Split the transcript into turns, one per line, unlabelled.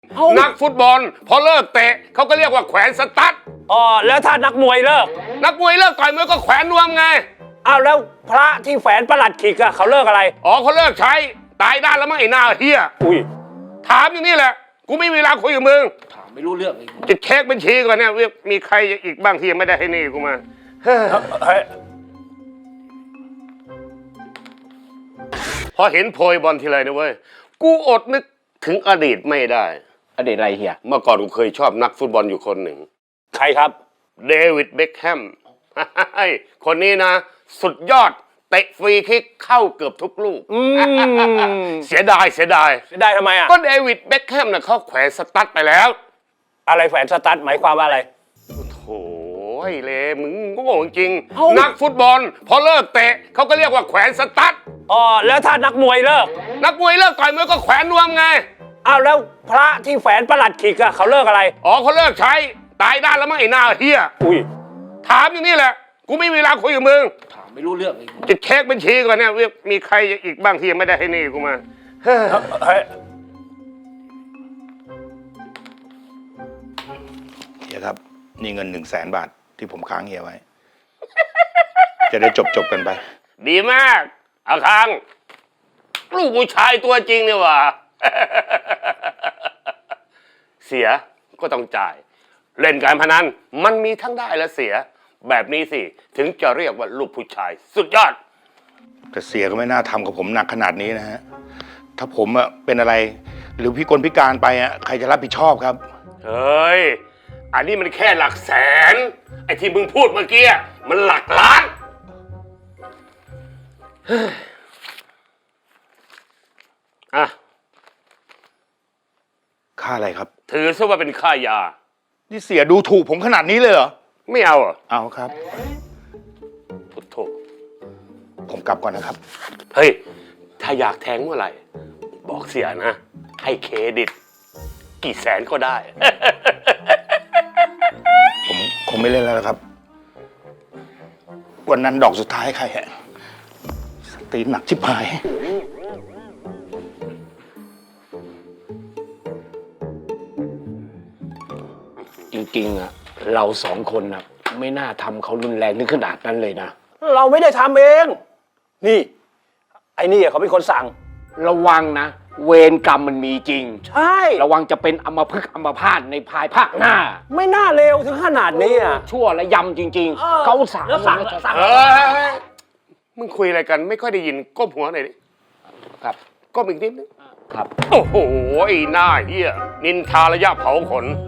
นักฟุตบอลพอเลิกเตะเขาก็เรียกว่าแขวนสตั๊ด
อ๋อแล้วถ้านักมวยเลิก
นักมวยเลิกต่อยมวยก็แขวนนวมไง
อ้าวแล้วพระที่แฝนประหลัดขิกอะเขาเลิกอะไร
อ๋อเขาเลิกใช้ตายด้านแล้วมั้งไอ้หน้าเฮีย
อุ้ย
ถามอย่างนี้แหละกูไม่มีเวลาคุยกับมึง
ถามไม่รู้เรื่องเลย
จะเช็คบัญชีก่อนเนี่ยว่ามีใครอีกบ้างที่ยังไม่ได้ให้หนี่กูมาเฮ้ย
เฮ้ย
พอเห็นโพยบอลทีไรนะเว้ยกูอดนึกถึงอดีตไม่ได้
อดีตอะไรเฮีย
เมื่อก่อนกูเคยชอบนักฟุตบอลอยู่คนหนึ่ง
ใครครับ
เดวิดเบ็คแฮม คนนี้นะ สุดยอดเตะฟรีคิกเข้าเกือบทุกลูก เสียดาย
ได้ทำไมอะ
ก็เดวิดเบ็คแฮมน่ะเขาแขวนสตั๊ดไปแล้ว
อะไรแฝนสตั๊ดหมายความว่าอะไร
โถ่ไอ้เลมึงโง่จริงนักฟุตบอลพอเลิกเตะเขาก็เรียกว่าแขวนสตั๊ด
อ๋อแล้วถ้านักมวยเลิก
นักมวยเลิกต่อยมวยก็แขวนนวมไง
อ้าวแล้วพระที่แฝนประหลัดขิกอะเขาเลิกอะไร
อ๋อเขาเลิกใช้ตายด้านแล้วมั้งไอ้หน้าเฮีย
อุ้ย
ถามอย่างนี้แหละกูไม่มีเวลาคุยกับมึง
ถามไม่รู้เรื่องเลย
จะเช็คบัญชีก่อนเนี่ยว่ามีใครอีกบ้างที่ยังไม่ได้ให้หนี่กูมาเฮ้ย
เฮ้ย
เฮียครับนี่เงิน100,000 บาทที่ผมค้างเฮียไว้ จะได้จบกันไป
ดีมากอาคังลูกผู้ชายตัวจริงเนี่ยว่ะ เสียก็ต้องจ่าย เล่นการพนันมันมีทั้งได้และเสีย แบบนี้สิถึงจะเรียกว่าลูกผู้ชาย สุดยอด
แต่เสียก็ไม่น่าทำกับผมหนักขนาดนี้นะฮะ ถ้าผมอะเป็นอะไร หรือพิกลพิการไปอะใครจะรับผิดชอบครับ
เฮ้ย อันนี้มันแค่หลักแสน ไอ้ที่มึงพูดเมื่อกี้มันหลักล้านเฮ้ยอ่ะ
ค่าอะไรครับ
ถือซะว่าเป็นค่ายา
นี่เสียดูถูกผมขนาดนี้เลยเหรอ
ไม่เอาเหรอ
เอาครับ
พุทโธ
ผมกลับก่อนนะครับ
เฮ้ย ถ้าอยากแทงเมื่อไหร่ บอกเสียนะ ให้เครดิต กี่แสนก็ได้
ผมคงไม่เล่นแล้วนะครับ วันนั้นดอกสุดท้ายใครฮะสตีนหนักชิบหาย
จริงๆอะเราสองคนอะไม่น่าทำเขารุนแรงถึงขนาดนั้นเลยนะ
เราไม่ได้ทำเอง นี่ ไอ้นี่อะเขาเป็นคนสั่ง
ระวังนะ เวรกรรมมันมีจริง
ใช่
ระวังจะเป็นอัมพฤกษ์อัมพาตในภายภาคหน้า
ไม่น่าเลวถึงขนาดนี้อะ
ชั่วและยำจริง
เออ
ๆ เขาสั่ง
แล้วสั่ง
เออมึงคุยอะไรกันไม่ค่อยได้ยินก้มหัวหน่อยดิ
ครับ
ก้มอีกนิดนึง
ครับ
โอ้โหไอ้หน้าเฮียนินทาระยะเผาขน